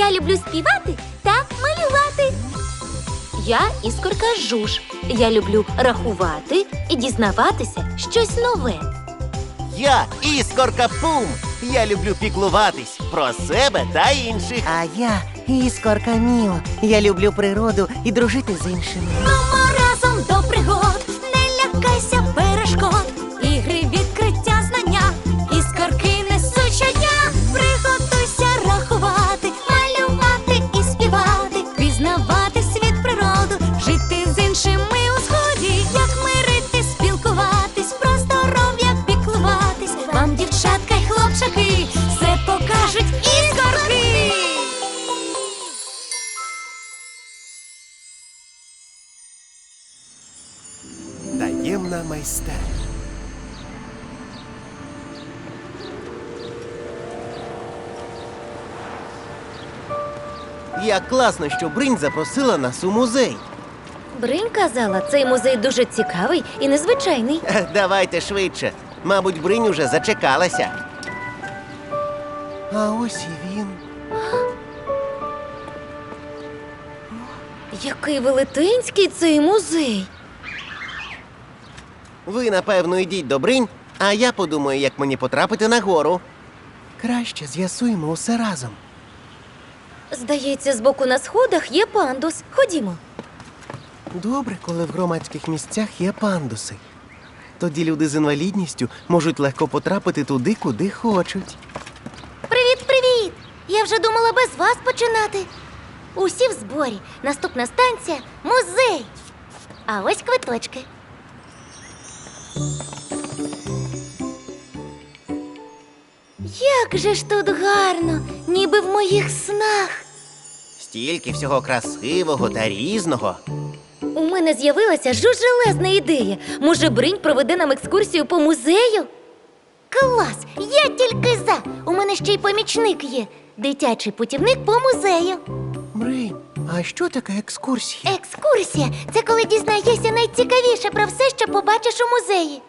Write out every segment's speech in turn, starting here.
Я люблю співати та малювати. Я Іскорка Жуж. Я люблю рахувати і дізнаватися щось нове. Я Іскорка Пум. Я люблю піклуватись про себе та інших. А я Іскорка Міо. Я люблю природу і дружити з іншими. Мамо, разом до пригод, не лякайся перешкод. Ігри, відкриття, знання, іскорки несуть щодня. Приготуйся рахувати, малювати і співати, пізнавати світ, природу, жити з іншими у згоді. Як мирити, спілкуватись, про здоров'я піклуватись. Вам, дівчатка й хлопчаки, все покажуть іскорки. Таємна майстерня. Як класно, що Бринь запросила нас у музей. Бринь казала, цей музей дуже цікавий і незвичайний. Давайте швидше. Мабуть, Бринь уже зачекалася. А ось і він. Який велетенський цей музей. Ви, напевно, йдіть до Бринь, а я подумаю, як мені потрапити на гору. Краще з'ясуємо усе разом. Здається, збоку на сходах є пандус. Ходімо. Добре, коли в громадських місцях є пандуси. Тоді люди з інвалідністю можуть легко потрапити туди, куди хочуть. Привіт! Я вже думала без вас починати. Усі в зборі. Наступна станція – музей. А ось квиточки. Як же ж тут гарно, ніби в моїх снах. Стільки всього красивого та різного. У мене з'явилася жужелезна ідея. Може, Бринь проведе нам екскурсію по музею? Клас! Я тільки за! У мене ще й помічник є. Дитячий путівник по музею. Бринь, а що таке екскурсія? Екскурсія – це коли дізнаєшся найцікавіше про все, що побачиш у музеї.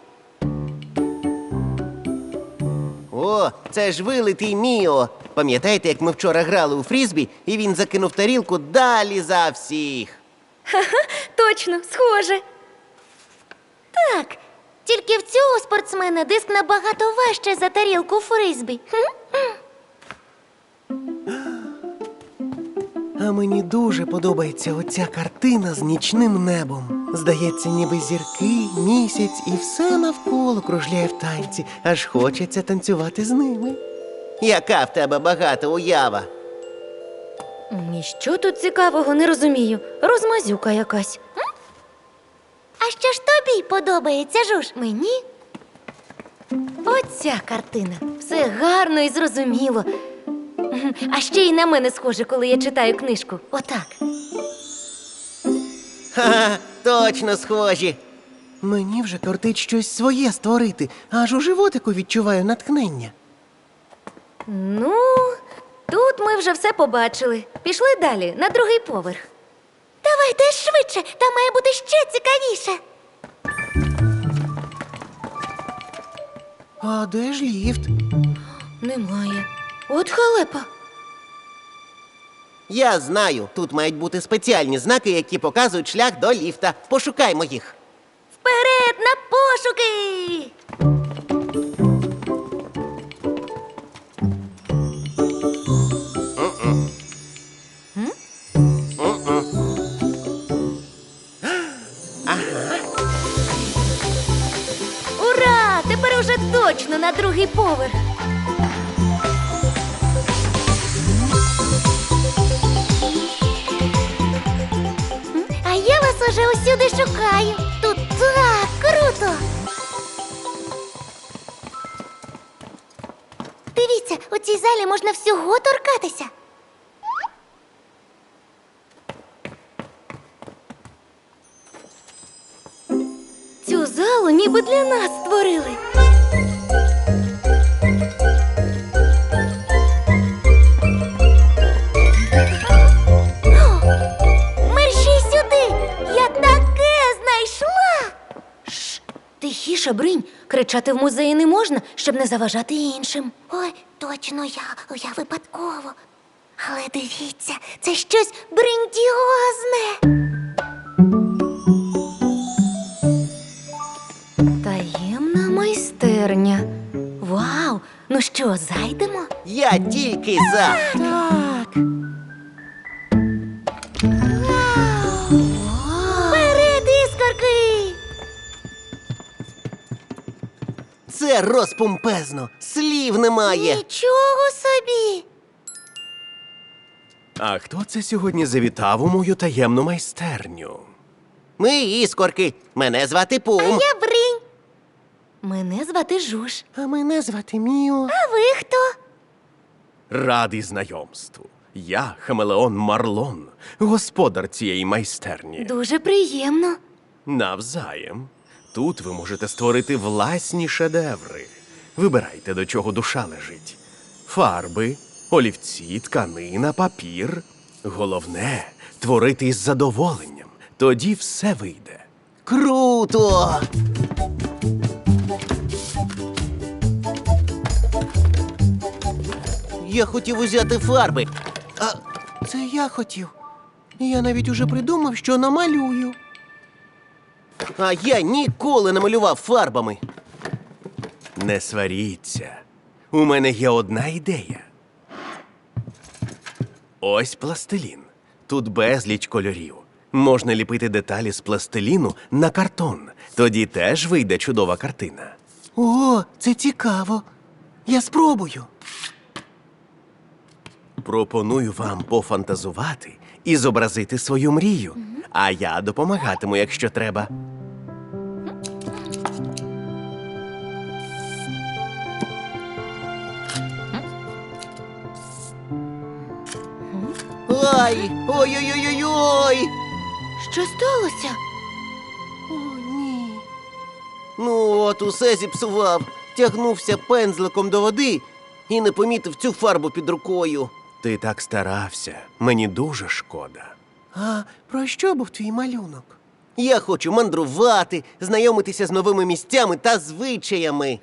О, це ж вилитий Міо. Пам'ятаєте, як ми вчора грали у фрізбі, і він закинув тарілку далі за всіх? Точно, схоже. Так, тільки в цього спортсмена диск набагато важче за тарілку фризбі. А мені дуже подобається оця картина з нічним небом. Здається, ніби зірки, місяць і все навколо кружляє в танці, аж хочеться танцювати з ними. Яка в тебе багата уява? І що тут цікавого, не розумію. Розмазюка якась. А що ж тобі подобається, Жуж? Мені? Оця картина. Все гарно і зрозуміло. А ще й на мене схоже, коли я читаю книжку. Отак. Ха-ха, точно схожі. Мені вже кортить щось своє створити, аж у животику відчуваю натхнення. Ну, тут ми вже все побачили. Пішли далі, на другий поверх. Давайте швидше, там має бути ще цікавіше. А де ж ліфт? Немає. От халепа. Я знаю, тут мають бути спеціальні знаки, які показують шлях до ліфта. Пошукаймо їх. Вперед на пошуки! Ура! Тепер уже точно на другий поверх. А я вас уже усюди шукаю. Тут так круто. Дивіться, у цій залі можна всього торкатися. Цю залу ніби для нас створили. Мерщій сюди! Я таке знайшла! Тихіше, Бринь. Кричати в музеї не можна, щоб не заважати іншим. Ой, точно я випадково. Але дивіться, це щось грандіозне. Таємна майстерня. Вау! Ну що, зайдемо? Я тільки за. Так. Вперед, іскорки! Це розпомпезно. Слів немає. Нічого собі! А хто це сьогодні завітав у мою таємну майстерню? Ми іскорки. Мене звати Пум. Я Бринь. Мене звати Жуж. А мене звати Міо. А ви хто? Радий знайомству. Я хамелеон Марлон, господар цієї майстерні. Дуже приємно. Навзаєм. Тут ви можете створити власні шедеври. Вибирайте, до чого душа лежить. Фарби, олівці, тканина, папір. Головне – творити із задоволенням. Тоді все вийде. Круто! Я хотів узяти фарби. А це я хотів. Я навіть уже придумав, що намалюю. А я ніколи не малював фарбами. Не сваріться. У мене є одна ідея. Ось пластилін. Тут безліч кольорів. Можна ліпити деталі з пластиліну на картон. Тоді теж вийде чудова картина. О, це цікаво. Я спробую. Пропоную вам пофантазувати і зобразити свою мрію. А я допомагатиму, якщо треба. Ай! Ой-ой-ой-ой-ой! Що сталося? О, ні. Ну от, усе зіпсував. Тягнувся пензликом до води і не помітив цю фарбу під рукою. Ти так старався. Мені дуже шкода. А про що був твій малюнок? Я хочу мандрувати, знайомитися з новими місцями та звичаями.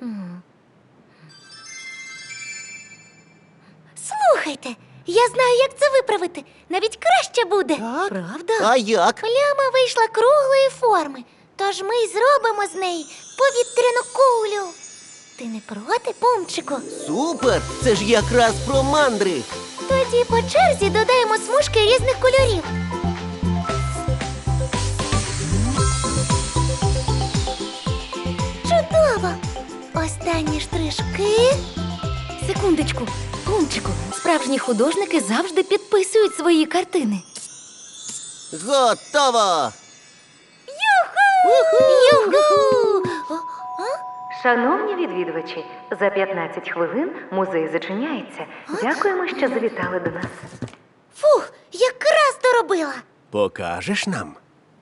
Слухайте, я знаю, як це виправити. Навіть краще буде. Так? Правда? А як? Пляма вийшла круглої форми, тож ми й зробимо з неї повітряну кулю. Ти не проти, Пумчику? Супер! Це ж якраз про мандри. Тоді по черзі додаємо смужки різних кольорів. Чудово! Останні штришки. Секундочку, Пумчику, справжні художники завжди підписують свої картини. Готово! Юху! Шановні відвідувачі, за 15 хвилин музей зачиняється. Дякуємо, що завітали до нас. Фух, якраз доробила. Покажеш нам?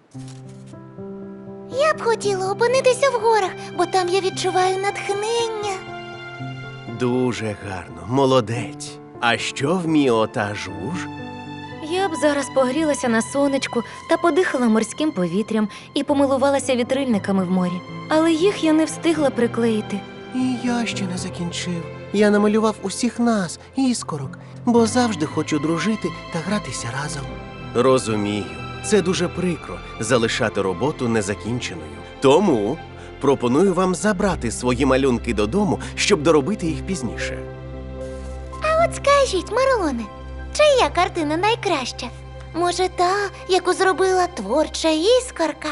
Я б хотіла опинитися в горах, бо там я відчуваю натхнення. Дуже гарно, молодець. А що в Міо та Жуж? Я б зараз погрілася на сонечку та подихала морським повітрям і помилувалася вітрильниками в морі. Але їх я не встигла приклеїти. І я ще не закінчив. Я намалював усіх нас, іскорок, бо завжди хочу дружити та гратися разом. Розумію, це дуже прикро залишати роботу незакінченою. Тому пропоную вам забрати свої малюнки додому, щоб доробити їх пізніше. А от скажіть, Марлоне, чия картина найкраща? Може, та, яку зробила творча іскорка?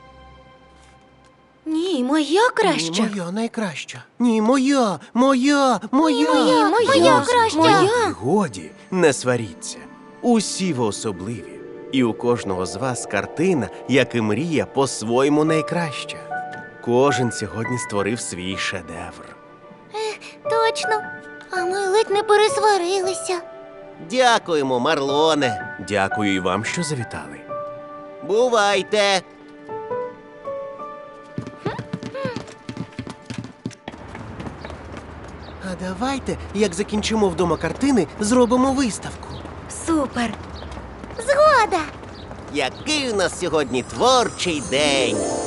Ні, моя краща. Ні, моя найкраща. Ні, моя, моя. Моя краща. Моя. Годі, не сваріться. Усі ви особливі. І у кожного з вас картина, як і мрія, по-своєму найкраща. Кожен сьогодні створив свій шедевр. Точно. А ми ледь не пересварилися. Дякуємо, Марлоне. Дякую і вам, що завітали. Бувайте. А давайте, як закінчимо вдома картини, зробимо виставку. Супер. Згода. Який у нас сьогодні творчий день.